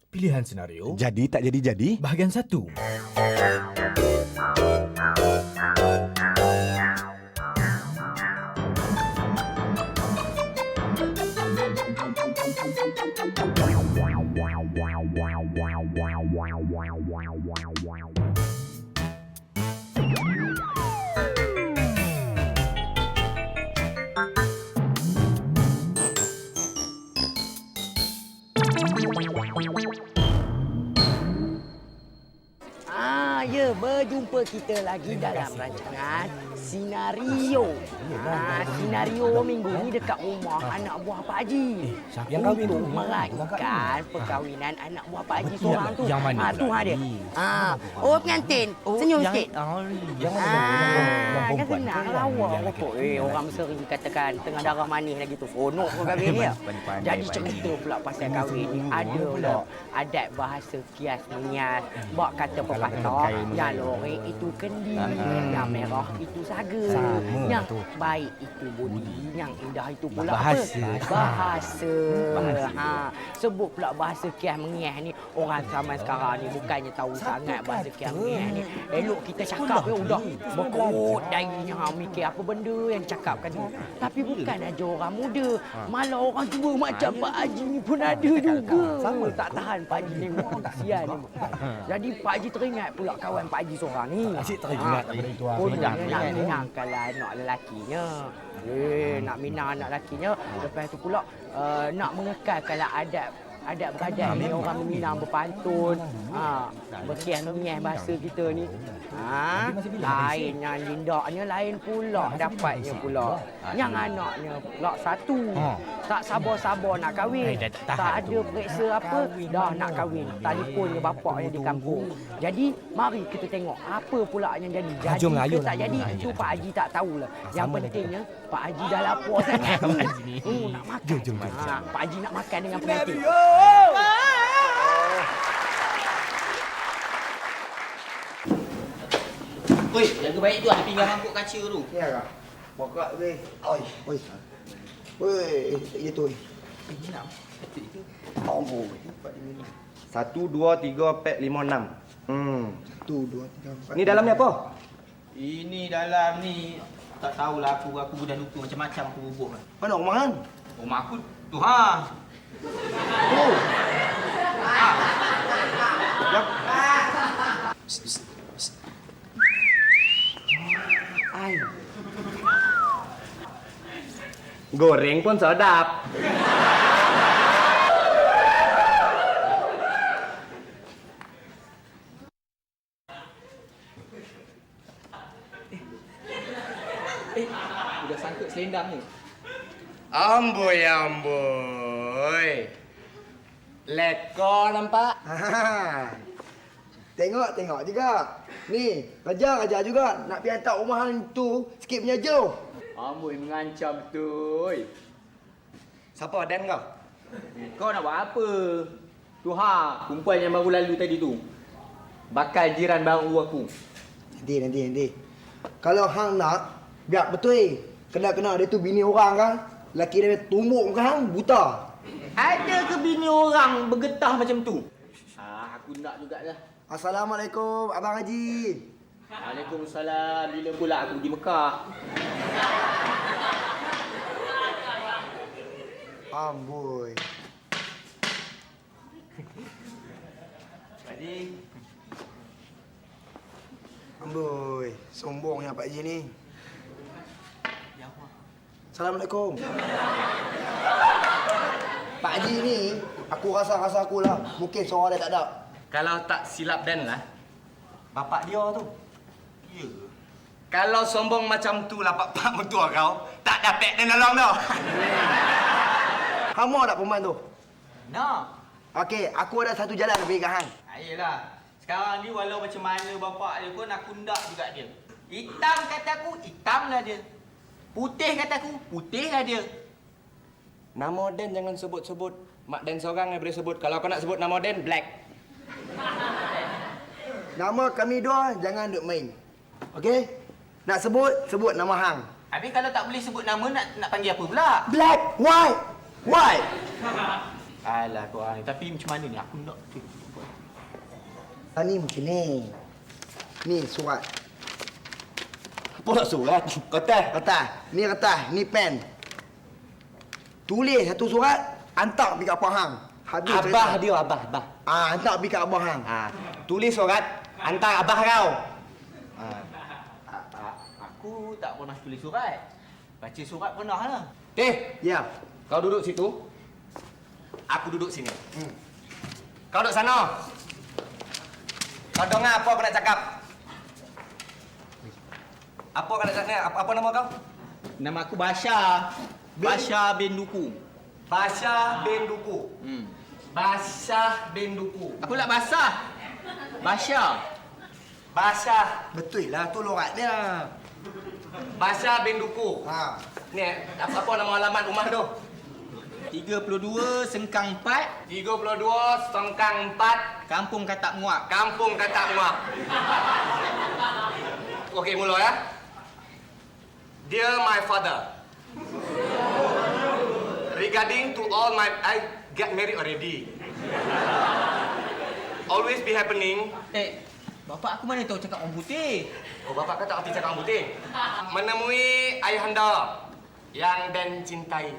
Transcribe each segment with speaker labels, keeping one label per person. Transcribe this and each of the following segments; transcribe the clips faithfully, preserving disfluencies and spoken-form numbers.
Speaker 1: Pilihan senario.
Speaker 2: Jadi tak jadi-jadi.
Speaker 1: Bahagian satu.
Speaker 3: Ah, ya, berjumpa kita lagi dalam rancangan Sinario. Ah, Sinario minggu ni dekat rumah anak buah Pak Haji.
Speaker 1: siapa yang kahwin tu?
Speaker 3: Untuk meraihkan perkahwinan anak buah Pak Haji seorang tu.
Speaker 1: Yang mana
Speaker 3: Ah, tu
Speaker 1: pula
Speaker 3: ha dia.
Speaker 1: ni?
Speaker 3: Ah, oh pengantin. Senyum
Speaker 1: yang,
Speaker 3: sikit.
Speaker 1: Oh, yang mana?
Speaker 3: Ah,
Speaker 1: yang
Speaker 3: kan
Speaker 1: perempuan.
Speaker 3: senang lawa rokok. Eh, orang Meseri katakan tengah darah manis lagi tu. Seronok pun kahwin ni.
Speaker 1: Pandai-pandai,
Speaker 3: Jadi
Speaker 1: pandai.
Speaker 3: cerita pula pasal kahwin ni ada pula adat bahasa kias menyias. Bak kata pepatah, yang lorek itu kendi, yang merah itu saga,
Speaker 1: Sama
Speaker 3: yang
Speaker 1: tu.
Speaker 3: baik itu budi, yang indah itu pula
Speaker 1: Bahasa.
Speaker 3: apa? Bahasa. Bahasa. Ha, sebut pula bahasa kias menyias ni orang zaman sekarang ni bukannya tahu sangat bahasa kias menyias ni. Elok kita cakap ya udah berkut darinya ha, mikir apa benda yang cakapkan tu. Tapi bukan aja orang muda, malah orang tua macam Pak Haji ni pun ada juga. Sama tak tahan Pak Haji tengok kesian ni. Jadi Pak Haji teringat pula kawan Pak Haji seorang ni.
Speaker 1: Asyik teringat benda itu.
Speaker 3: Oh, dia nak minangkanlah anak lelakinya. Eh, nak minang anak lelakinya. Lepas tu pula uh, nak mengekalkanlah adab adat beradat ni orang Minang berpantun, ha, berkias-mengias bahasa kita ni. Ha, lain yang lindaknya lain pula dapatnya pula. Yang anaknya pula satu. Tak sabar-sabar nak kahwin. Tak ada periksa apa, dah nak kahwin. Telefonnya bapaknya di kampung. Jadi mari kita tengok apa pula yang jadi. Jadi ke tak jadi itu Pak Haji tak tahulah. Yang pentingnya Pak Haji dah lapar sangat ni. Oh, nak makan. Ha, Pak Haji nak makan dengan pengantin.
Speaker 4: Oi, jaga baik tu ada pinggan mangkuk kaca tu.
Speaker 5: Ya kak. Bokak weh. Oi, oi. Weh, ya tu.
Speaker 4: Ini nak. Ketik ke?
Speaker 5: Ampun. Satu, dua, tiga, empat, lima, enam. Hmm. Satu, dua, tiga, empat. Ni dalamnya apa?
Speaker 4: Ini dalam ni tak tahulah aku aku dah lupa macam-macam aku bubuk.
Speaker 5: Mana rumah kan?
Speaker 4: Rumah aku tu ha.
Speaker 5: Oh. Yap. Ai. Goreng pun sedap.
Speaker 4: Eh, udah sangkut selendang ni.
Speaker 5: Amboi, amboi. Lekor nampak? Ha. Tengok, tengok juga. Ni, Raja, Raja juga nak pergi hantar rumah hang tu sikit punya jauh.
Speaker 4: Amboi mengancam betul.
Speaker 5: Siapa Dan kau?
Speaker 4: Kau nak buat apa? Tu ha, perempuan yang baru lalu tadi tu. Bakal jiran baru aku.
Speaker 5: Nanti, nanti, nanti. Kalau hang nak, biar betul. Kena-kena dia tu bini orang kan. Laki dia tumbuk muka hang, buta.
Speaker 4: Ada ke bini orang bergetah macam tu? Ah, aku nak jugalah.
Speaker 5: Assalamualaikum, Abang Haji.
Speaker 4: Waalaikumsalam. Bila pula aku pergi Mekah?
Speaker 5: Amboi.
Speaker 4: Pakcik.
Speaker 5: Amboi, sombongnya Pak Haji ni. Assalamualaikum. Pak Haji ni, aku rasa-rasa aku lah. Mungkin seorang dia tak ada.
Speaker 4: Kalau tak silap Dan lah, bapak dia tu.
Speaker 5: Ya. Kalau sombong macam tu lah pak-pak mentua kau, tak dapat dia nolong dah. Kamu tak perempuan tu?
Speaker 4: Nak.
Speaker 5: Okey, aku ada satu jalan lebih kat hang.
Speaker 4: Ayolah. Sekarang ni walau macam mana bapak dia pun aku nak juga dia. Hitam kata aku, hitamlah dia. Putih kata aku, putihlah dia.
Speaker 5: Nama Dan jangan sebut-sebut. Mak Dan seorang yang boleh sebut. Kalau kau nak sebut nama Dan, Black. Nama kami dua jangan duk main. Okey? Nak sebut, sebut nama hang.
Speaker 4: Habis kalau tak boleh sebut nama nak nak panggil apa pula?
Speaker 5: Black, white, white.
Speaker 4: Alah korang ni. Tapi macam mana ni? Aku nak tu.
Speaker 5: Ah, ni macam ni. Ni surat.
Speaker 2: Apa nak surat? Kertas.
Speaker 5: Kertas. Ni kertas. Ni pen. Tulis satu surat, hantar pergi kat Abah Hang. Habis
Speaker 2: Abah
Speaker 5: cerita.
Speaker 2: dia, abah, abah.
Speaker 5: Ah, hantar pergi kat Abah Hang.
Speaker 2: Ha, tulis surat, hantar abah kau. Ha.
Speaker 4: A- a- Aku tak pernah tulis surat. Baca surat pernah lah.
Speaker 2: Teh,
Speaker 5: Ya.
Speaker 2: kau duduk situ. Aku duduk sini. Hmm. Kau duduk sana. Kau dengar apa aku nak cakap? Apa kau nak cakap? Apa, apa nama kau?
Speaker 4: Nama aku Basha. Basha bin Duku.
Speaker 2: Basha bin Duku.
Speaker 4: Hmm.
Speaker 2: Basha bin Duku.
Speaker 4: Aku nak basah. Basha.
Speaker 2: Basha.
Speaker 5: Betul lah tu lorat dia.
Speaker 2: Basha bin Duku.
Speaker 5: Ha.
Speaker 2: Ni, apa, apa nama alamat rumah tu?
Speaker 4: tiga puluh dua Sengkang empat,
Speaker 2: tiga puluh dua Sengkang empat,
Speaker 4: Kampung Katak Muak.
Speaker 2: Kampung Katak Muak. Okey, mula ya. Dear my father, regarding to all my... I get married already. Always be happening.
Speaker 4: Eh, bapak aku mana tahu cakap orang putih?
Speaker 2: Oh, bapak kata arti cakap putih. Menemui ayahanda yang Dan cintai.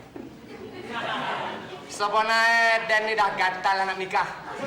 Speaker 2: Sebenarnya Dan ni dah gatal nak nikah.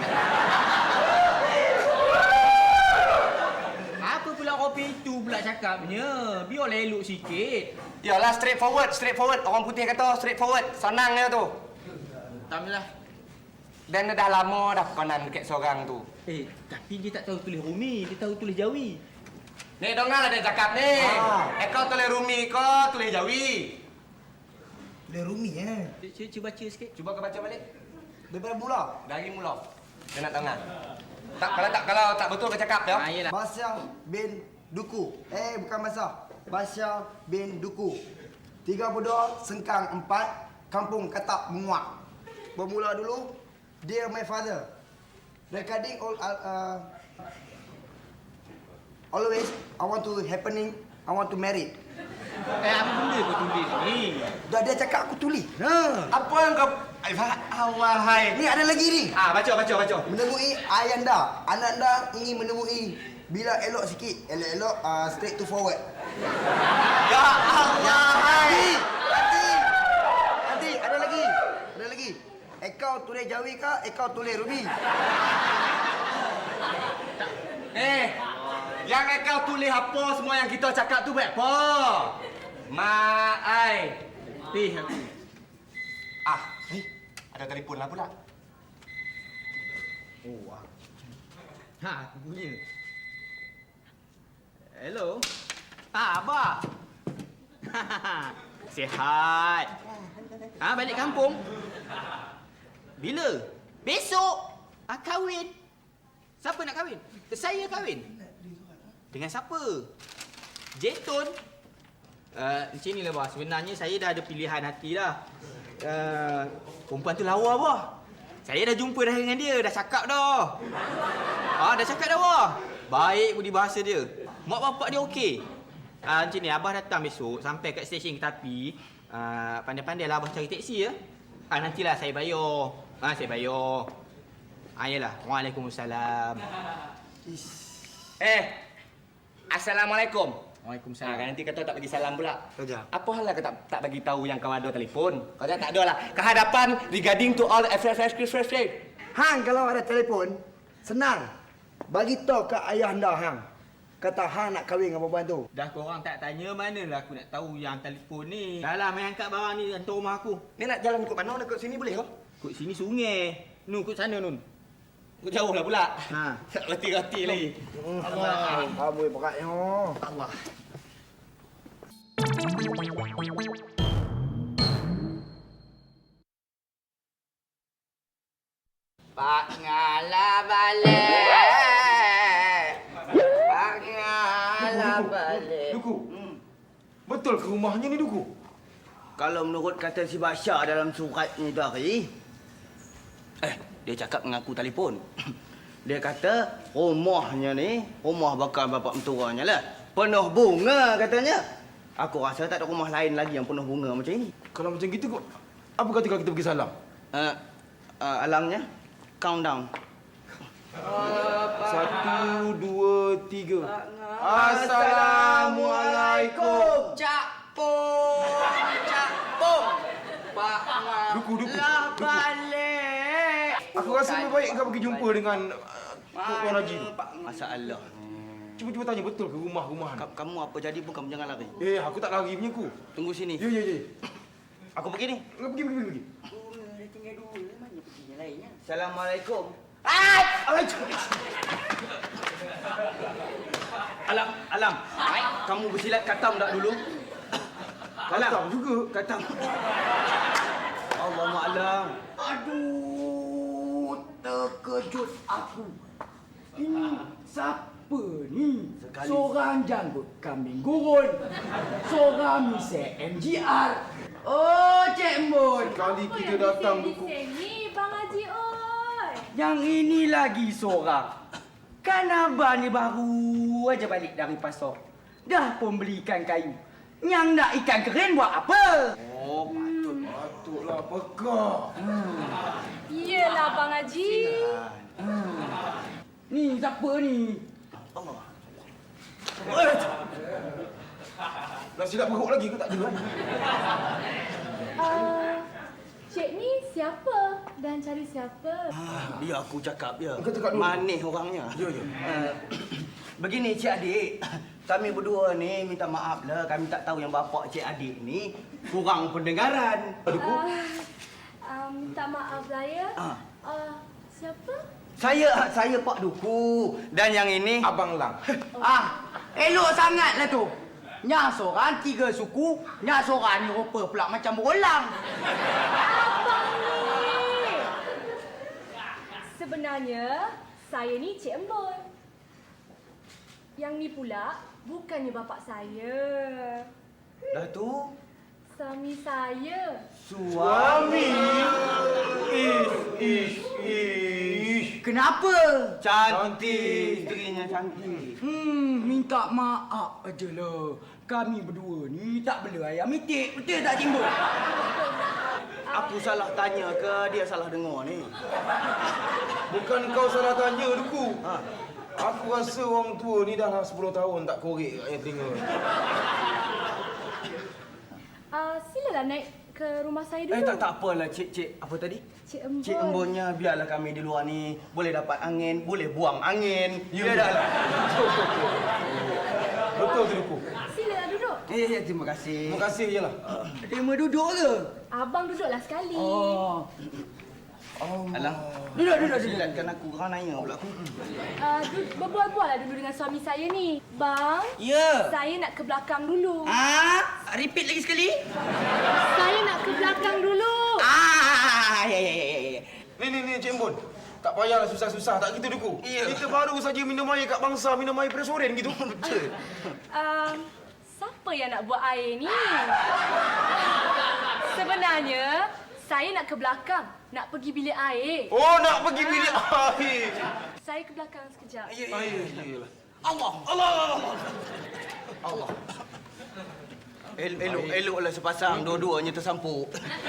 Speaker 4: Apa pula kopi itu pula cakapnya? Biarlah elok sikit.
Speaker 2: Yalah, straight forward, straight forward. Orang putih kata straight forward. Senang dia tu.
Speaker 4: Tamlah.
Speaker 2: Dan dia dah lama dah kanan dekat seorang tu.
Speaker 4: Eh, tapi dia tak tahu tulis Rumi, dia tahu tulis Jawi.
Speaker 2: Ni dengarlah dia cakap ni.
Speaker 5: Ah.
Speaker 2: Eh kau tulis Rumi, kau tulis Jawi.
Speaker 5: Dia Rumi eh.
Speaker 4: Cuba, cuba baca sikit.
Speaker 2: Cuba kau baca balik.
Speaker 5: Daripada mula.
Speaker 2: Dari mula. Dia nak dengar. Tak, kalau tak kalau tak betul kau cakap ya.
Speaker 4: Ha, yelah.
Speaker 5: Basya bin Duku. Eh, bukan Basya. Basya bin Duku. tiga puluh dua Sengkang empat, Kampung Katak Muak. Bermula dulu. Dear my father. Regarding all uh, always I want to happening, I want to marry.
Speaker 4: Eh, apa benda kau tulis ni?
Speaker 5: Dah dia cakap aku tulis. Ha.
Speaker 2: Apa yang kau Allah hai.
Speaker 5: Ni ada lagi ni.
Speaker 2: Ah, baca baca baca.
Speaker 5: Menemui ayanda. Ananda ingin menemui. Bila elok sikit, elok-elok uh, straight to forward.
Speaker 2: Ya Allah hai.
Speaker 5: Nanti, nanti ada lagi, ada lagi. Ekau tulis Jawi ke? Ekau tulis Rumi?
Speaker 2: Eh, yang kau tulis apa semua yang kita cakap tu buat apa? Mak ai.
Speaker 4: Tih aku.
Speaker 2: Ah, eh, ada telefon lah pula.
Speaker 5: Oh, ah.
Speaker 4: Ha, aku punya. Hello. Ah, Abah. Sihat. Ha, balik kampung. Bila? Besok. Ah, kahwin. Siapa nak kahwin? Saya kahwin. Dengan siapa? Jetun. Uh, macam inilah, bah. Sebenarnya saya dah ada pilihan hati dah. Uh, perempuan tu lawa, bah. Saya dah jumpa dah dengan dia. Dah cakap dah. Ah, dah cakap dah, bah. Baik budi bahasa dia. Mak bapak dia okey. Uh, macam ni, Abah datang besok. Sampai kat stesen Ketapi. Uh, pandai-pandailah Abah cari teksi ya. Ah, nantilah saya bayar. Ah, saya bayar. Ah, yalah. Waalaikumsalam.
Speaker 2: Eh, Assalamualaikum.
Speaker 4: Waalaikumsalam.
Speaker 2: Ha, kan nanti kata tak bagi salam pula.
Speaker 5: Saja.
Speaker 2: Apa hal lah kau tak, tak bagi tahu yang kau ada telefon? Kau tak ada lah. Kehadapan regarding to all fresh fresh fresh fresh fresh.
Speaker 5: Hang kalau ada telefon, senang. Bagi tahu ke ayah anda hang. Kata hang nak kahwin dengan perempuan tu.
Speaker 4: Dah korang tak tanya, manalah aku nak tahu yang telefon ni. Dah lah, main angkat barang ni hantar rumah aku.
Speaker 2: Ni nak jalan ikut mana? Nak ikut sini boleh ke?
Speaker 4: Kut sini sungai. Nun, kut sana, Nun.
Speaker 2: Kau jauh lah pula.
Speaker 4: Ha.
Speaker 2: Tak reti-reti lagi.
Speaker 5: Allah. Amboi beratnya.
Speaker 2: Allah.
Speaker 3: Pak ngala balik. Pak ngala balik.
Speaker 1: Duku. Betul ke rumahnya ni, Duku?
Speaker 5: Kalau menurut kata si Basya dalam surat ni tadi,
Speaker 2: Eh, dia cakap dengan aku telefon.
Speaker 5: dia kata rumahnya ni, rumah bakal bapak menturanya lah. Penuh bunga katanya. Aku rasa tak ada rumah lain lagi yang penuh bunga macam ini.
Speaker 1: Kalau macam gitu, kok apa kata kalau kita pergi salam?
Speaker 5: Uh,
Speaker 4: Uh, alangnya, countdown.
Speaker 1: Satu, dua, tiga. Assalamualaikum.
Speaker 3: Cak Pong, Cak Pong. Pak Ngah.
Speaker 1: Duku, duku,
Speaker 3: Lah
Speaker 1: duku.
Speaker 3: balik.
Speaker 1: Aku rasa lebih baik kau pergi jumpa dengan uh, Puan Haji tu.
Speaker 4: Masalah.
Speaker 1: Cuba-cuba tanya betul ke rumah-rumahan.
Speaker 4: Ka- Kamu apa jadi pun kamu jangan lari.
Speaker 1: Eh, aku tak lari punya ku.
Speaker 4: Tunggu sini.
Speaker 1: Ya, ya, ya.
Speaker 4: Aku pergi ni.
Speaker 1: Kau pergi, pergi, pergi.
Speaker 3: Dia tinggal dulu. Mana perginya lainnya?
Speaker 4: Assalamualaikum.
Speaker 3: Ai!
Speaker 4: Alam, Alam. Kamu bersilat katam tak dulu? Alam.
Speaker 1: Katam juga.
Speaker 4: Katam. Allah Alam.
Speaker 3: Aduh, terkejut aku. Ini siapa ni?
Speaker 4: Sekali.
Speaker 3: Seorang janggut kambing gurun. Seorang misal M G R. Oh, Cik Mun.
Speaker 1: Kali kita datang duku.
Speaker 6: Ni Bang Haji oi.
Speaker 3: Yang ini lagi seorang. Kan abang ni baru aja balik dari pasar. Dah pun beli ikan kayu. Yang nak ikan keren buat apa?
Speaker 4: Oh, patut.
Speaker 1: Patutlah pekak.
Speaker 6: Iyalah Bang Haji.
Speaker 3: Ni siapa ni?
Speaker 4: Allah.
Speaker 1: Nak silap perut lagi ke tak dengar?
Speaker 6: Uh, Cik ni siapa dan cari siapa?
Speaker 4: Ah, dia aku cakap dia.
Speaker 1: Kau cakap dulu.
Speaker 4: Manis orangnya.
Speaker 1: Ya, ya.
Speaker 4: Uh, begini cik adik, kami berdua ni minta maaf lah. Kami tak tahu yang bapak cik adik ni kurang pendengaran.
Speaker 6: Uh, uh, minta maaf lah ya.
Speaker 4: Ah.
Speaker 6: Uh, siapa?
Speaker 4: Saya saya Pak Duku dan yang ini
Speaker 1: Abang Lang.
Speaker 3: Ah, elok sangatlah tu. Nya seorang tiga suku, nya seorang ni rupa pula macam berulang.
Speaker 6: Abang ni. Sebenarnya saya ni Cik Embun. Yang ni pula bukannya bapak saya.
Speaker 4: dah tu
Speaker 6: Suami saya.
Speaker 1: Suami. Ish, ish, ish.
Speaker 3: Kenapa?
Speaker 4: cantik, isterinya cantik.
Speaker 3: Hmm, minta maaf ajalah. Kami berdua ni tak bela ayam itik. Betul tak Cimbuk?
Speaker 4: Aku salah tanya ke dia salah dengar ni?
Speaker 1: Bukan kau salah tanya, Duku.
Speaker 4: Ha.
Speaker 1: Aku rasa orang tua ni dah lah sepuluh tahun tak korek kat yang telinga.
Speaker 6: Uh, silalah naik ke rumah saya dulu.
Speaker 4: Eh tak tak apalah cik cik apa tadi?
Speaker 6: Cik Embun.
Speaker 4: Cik Embunnya biarlah kami di luar ni boleh dapat angin, boleh buang angin.
Speaker 1: Ya,
Speaker 4: Ya dah lah.
Speaker 1: Betul tu, Duku.
Speaker 6: Silalah duduk.
Speaker 4: Ya ya terima kasih.
Speaker 1: Terima kasih je lah.
Speaker 3: Terima duduk ke?
Speaker 6: Abang duduklah sekali.
Speaker 3: Oh.
Speaker 4: Alang.
Speaker 3: Duduk, duduk, duduk.
Speaker 4: Silatkan aku, kau nanya pula aku.
Speaker 6: Uh, du- berbual-bual lah dulu dengan suami saya ni. Bang,
Speaker 3: Ya.
Speaker 6: saya nak ke belakang dulu.
Speaker 3: Ah, repeat lagi sekali.
Speaker 6: Saya nak ke belakang dulu.
Speaker 3: Ah, ya ya ya ya.
Speaker 1: Ni, ni, ni, Cik Embun. Tak payahlah susah-susah. Tak gitu, Duku.
Speaker 4: Ya.
Speaker 1: Kita baru saja minum air kat bangsa, minum air presoren gitu. Betul.
Speaker 6: Uh, siapa yang nak buat air ni? Sebenarnya, saya nak ke belakang. Nak pergi bilik air.
Speaker 1: Oh, nak pergi bilik air.
Speaker 6: Saya ke belakang sekejap.
Speaker 4: Ya ya.
Speaker 1: Air, iyalah.
Speaker 4: Allah Allah Allah. El elok eloklah sepasang dua-duanya tersampuk.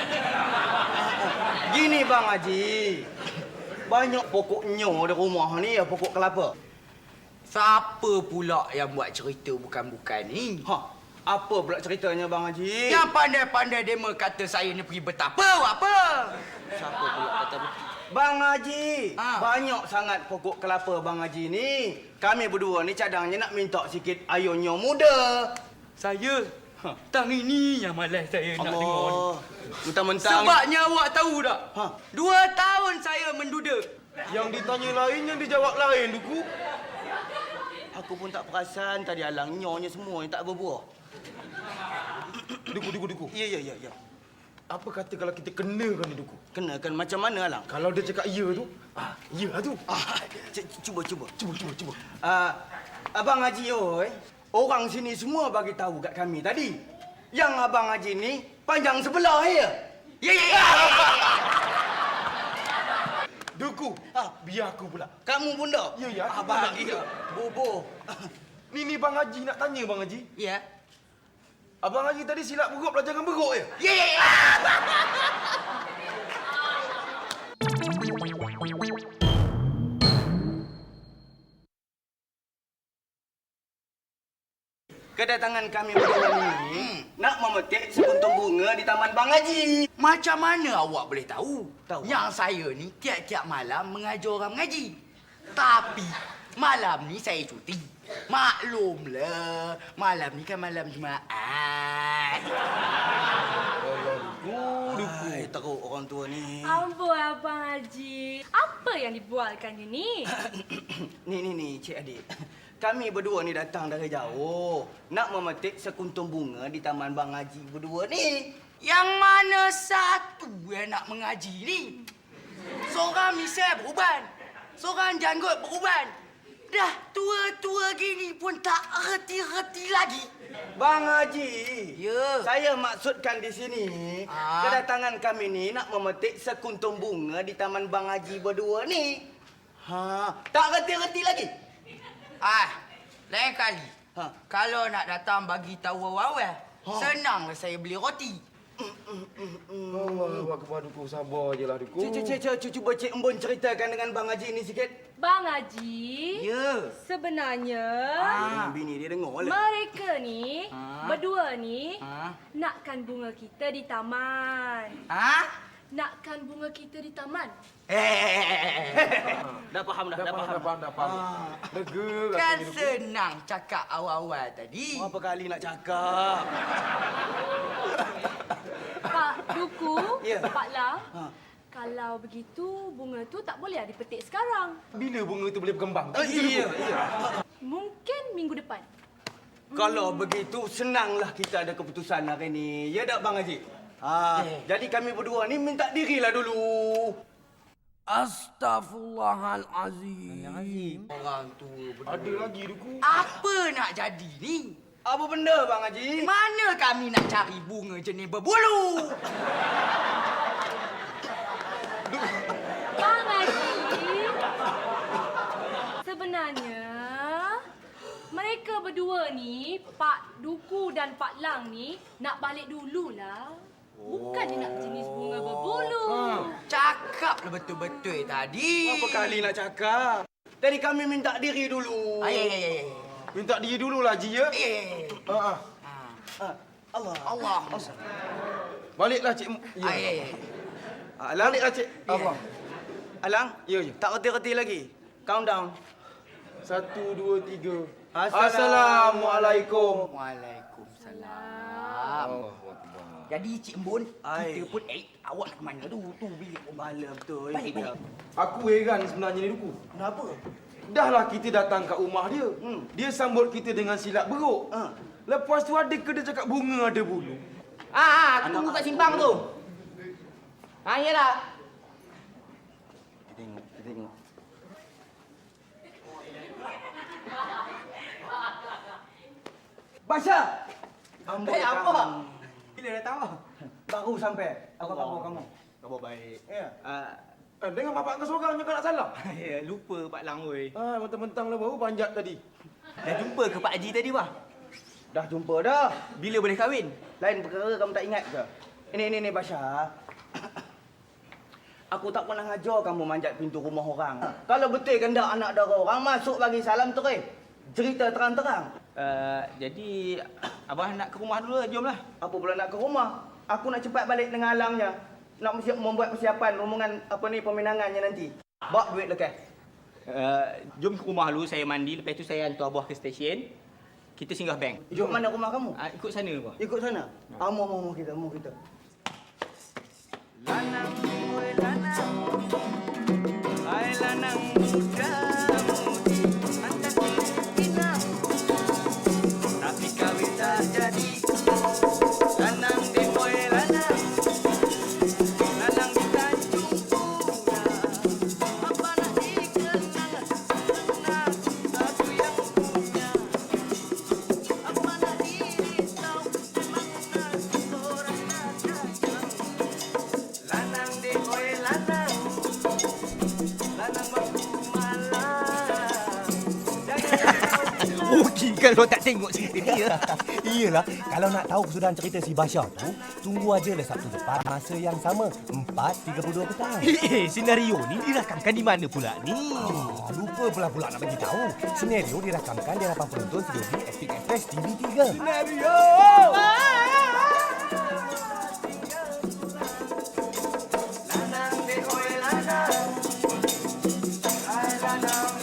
Speaker 4: Gini Bang Haji. Banyak pokok nyo di rumah ni ya pokok kelapa.
Speaker 3: Siapa pula yang buat cerita bukan-bukan ni?
Speaker 4: Ha, apa pula ceritanya Bang Haji?
Speaker 3: Yang pandai-pandai demo kata saya ni pergi betapa apa?
Speaker 4: Siapa pula kata tu? Bang Haji,
Speaker 3: Ha.
Speaker 4: banyak sangat pokok kelapa Bang Haji ni. Kami berdua ni cadangnya nak minta sikit ayunnya muda.
Speaker 3: Saya
Speaker 4: Ha.
Speaker 3: tang ini yang malas saya nak dengar ni.
Speaker 4: Allah. Mentang-mentang
Speaker 3: Sebabnya awak tahu tak?
Speaker 4: Ha.
Speaker 3: Dua tahun saya menduda.
Speaker 1: Yang ditanya lain, yang dijawab lain, Duku.
Speaker 4: aku pun tak perasan tadi alang nyonya semua ni tak berbuah.
Speaker 1: Duku, Duku, Duku.
Speaker 4: Ya ya ya ya.
Speaker 1: Apa kata kalau kita kenakan ni, Duku?
Speaker 4: Kenakan macam mana alang?
Speaker 1: Kalau dia cakap ya tu, ah, ya tu.
Speaker 4: Ah, c- cuba cuba.
Speaker 1: Cuba, cuba, cuba.
Speaker 4: Ah, Abang Haji oi, orang sini semua bagi tahu kat kami tadi. Yang Abang Haji ni panjang sebelah ya. Ya ya ya.
Speaker 1: Duku, ah, biar aku pula.
Speaker 4: Kamu pun dah?
Speaker 1: Ya, ya, aku
Speaker 4: Abang
Speaker 1: pun dah.
Speaker 4: iya. Bobo.
Speaker 1: Ni, ni Bang Haji nak tanya, Bang Haji.
Speaker 3: Ya.
Speaker 1: Abang Haji tadi silap beruk belajar dengan beruk ya?
Speaker 4: Ya ya ya.
Speaker 2: kedatangan kami berdua ni nak memetik sekuntum bunga di Taman Bang Haji.
Speaker 3: Macam mana awak boleh tahu?
Speaker 2: Tahu.
Speaker 3: Yang saya ni tiap-tiap malam mengajar orang mengaji. Tapi malam ni saya cuti. Maklumlah, malam ni kan malam Jumaat.
Speaker 2: Ai, teruk orang tua ni.
Speaker 6: Ampun Abang Haji. Apa yang dibualkannya ni?
Speaker 2: Ni, ni, ni, Cik Adik. Kami berdua ni datang dari jauh. Nak memetik sekuntum bunga di Taman Bang Haji berdua ni.
Speaker 3: Yang mana satu yang nak mengaji ni? Seorang misal beruban. Seorang janggut beruban. Dah tua-tua gini pun tak reti-reti lagi.
Speaker 2: Bang Haji,
Speaker 3: Ya.
Speaker 2: saya maksudkan di sini,
Speaker 3: Ah.
Speaker 2: kedatangan kami ni nak memetik sekuntum bunga di Taman Bang Haji berdua ni. Ha, tak reti-reti lagi.
Speaker 3: Ah, lain kali.
Speaker 2: Ha.
Speaker 3: Kalau nak datang bagi tahu awal-awal,
Speaker 2: Ha.
Speaker 3: senanglah saya beli roti.
Speaker 1: Allah, awak kepada Duku. Sabar je lah, Duku.
Speaker 2: Cik, cik, cik, cik, cik, cuba Cik Embun ceritakan dengan Bang Haji ni sikit.
Speaker 6: Bang Haji,
Speaker 2: Ya.
Speaker 6: sebenarnya
Speaker 2: Ah. Bini dia dengar lah.
Speaker 6: mereka ni,
Speaker 3: Ah.
Speaker 6: berdua ni,
Speaker 3: Ah.
Speaker 6: nakkan bunga kita di taman.
Speaker 3: Ha?
Speaker 6: Nakkan bunga kita di taman.
Speaker 3: Eh,
Speaker 4: Dah faham dah,
Speaker 1: Dah
Speaker 4: dah
Speaker 1: faham,
Speaker 4: faham.
Speaker 1: dah faham, dah faham. Lega
Speaker 3: kan
Speaker 1: rasanya, Duku.
Speaker 3: senang cakap awal-awal tadi.
Speaker 2: Berapa kali nak cakap?
Speaker 6: Pak Duku,
Speaker 2: Ya.
Speaker 6: Pak Lang,
Speaker 2: Ha.
Speaker 6: kalau begitu bunga tu tak boleh lah dipetik sekarang.
Speaker 1: Bila bunga tu boleh berkembang?
Speaker 2: Oh, iya, iya.
Speaker 6: Mungkin minggu depan.
Speaker 2: Kalau begitu, senanglah kita ada keputusan hari ni. Ya tak, Bang Haji? Ha, jadi kami berdua ni minta dirilah dulu.
Speaker 3: Astaghfirullahalazim. Orang tu
Speaker 1: Ada lagi, Duku.
Speaker 3: apa nak jadi ni?
Speaker 2: Apa benda, Bang Haji?
Speaker 3: Mana kami nak cari bunga jenis berbulu?
Speaker 6: Bang Haji, sebenarnya mereka berdua ni, Pak Duku dan Pak Lang ni, nak balik dululah. Bukannya nak jenis bunga berbulu.
Speaker 3: Cakaplah betul-betul tadi.
Speaker 2: Berapa kali nak cakap? Tadi kami minta diri dulu.
Speaker 3: Ay, ay, ay, ay.
Speaker 1: Minta dia dululah, Ji, ya?
Speaker 3: Eh.
Speaker 1: Ha, ha.
Speaker 2: Ha, Allah.
Speaker 3: Allah.
Speaker 1: Baliklah, Cik. Ya.
Speaker 3: Ay, ay, ay.
Speaker 2: Alang,
Speaker 1: Baliklah, Cik. Allah.
Speaker 2: Alang,
Speaker 1: Ya, ya.
Speaker 2: tak reti-reti lagi. Countdown.
Speaker 1: Satu, dua, tiga.
Speaker 2: Assalamualaikum.
Speaker 1: Assalamualaikum.
Speaker 3: Waalaikumsalam.
Speaker 1: Allah.
Speaker 3: Jadi Cik Embun,
Speaker 2: Ai.
Speaker 3: kita pun eh awak nak ke mana tu? Tu bilik
Speaker 2: Bala betul.
Speaker 3: Baik, baik.
Speaker 1: Aku heran sebenarnya ni, Duku.
Speaker 2: Kenapa?
Speaker 1: Dahlah kita datang kat rumah dia.
Speaker 2: Hmm.
Speaker 1: Dia sambut kita dengan silat beruk.
Speaker 2: Ha.
Speaker 1: Lepas tu ada ke dia cakap bunga ada bulu?
Speaker 4: Ah, aku tunggu kat simpang tu. Ah, iyalah.
Speaker 2: Kita tengok, kita tengok. Basha! Amboi
Speaker 4: Eh, apa?
Speaker 2: kamu.
Speaker 4: Bila datang apa?
Speaker 2: Baru sampai. Apa
Speaker 4: Allah.
Speaker 2: khabar kamu?
Speaker 4: Khabar baik.
Speaker 2: Ya.
Speaker 4: Ah,
Speaker 1: Eh, dengan bapak kau seorang kau nak salah.
Speaker 4: ya, lupa Pak Lang oi.
Speaker 1: Ah, mentang-mentang lah baru panjat tadi.
Speaker 4: Dah jumpa ke Pak Haji tadi, Wah?
Speaker 2: Dah jumpa dah.
Speaker 4: Bila boleh kahwin?
Speaker 2: Lain perkara kamu tak ingat ke? Ini, ini, ini Basha. Aku tak pernah ajar kamu manjat pintu rumah orang. Kalau betul kendak anak dara orang, masuk bagi salam terus. Cerita terang-terang.
Speaker 4: Uh, jadi, Abah nak ke rumah dulu, jomlah.
Speaker 2: Apa pula nak ke rumah? Aku nak cepat balik dengan alangnya. Nak mesti membuat persiapan rombongan apa ni peminangannya nanti. Bawa duit lekas.
Speaker 4: Uh, jom ke rumah dulu, saya mandi. Lepas tu saya hantar Abah ke stesen. Kita singgah bank.
Speaker 2: Jom mana rumah kamu?
Speaker 4: Uh, ikut sana, Abah.
Speaker 2: Ikut sana. Ah, mau, mau, mau kita, mau kita.
Speaker 3: Lanang, oi lanang. Hai lanang muda mudi. Anda kina. Tapi kawin tak jadi. Lanang di oi lanang. Lanang di Tanjung Bunga. Apa nak dikenang? Lanang satu yang punya. Apa nak dirisau? Memang nak orang nak kacau. Lanang de oi lanang. Lanang baku malam.
Speaker 4: Rugi kalau tak tengok cerita dia.
Speaker 7: Iyalah, kalau nak tahu kesudahan cerita si Basha tu, tunggu aja lah Sabtu depan masa yang sama. tepat tiga puluh dua petang.
Speaker 8: Eh, senario ni dirakamkan di mana pula ni?
Speaker 7: Oh, lupa pula pula nak bagi tahu. Senario dirakamkan di hadapan penonton studio B Epic Express T V tiga.
Speaker 2: Senario. Lanang de oi lanang. Ai lanang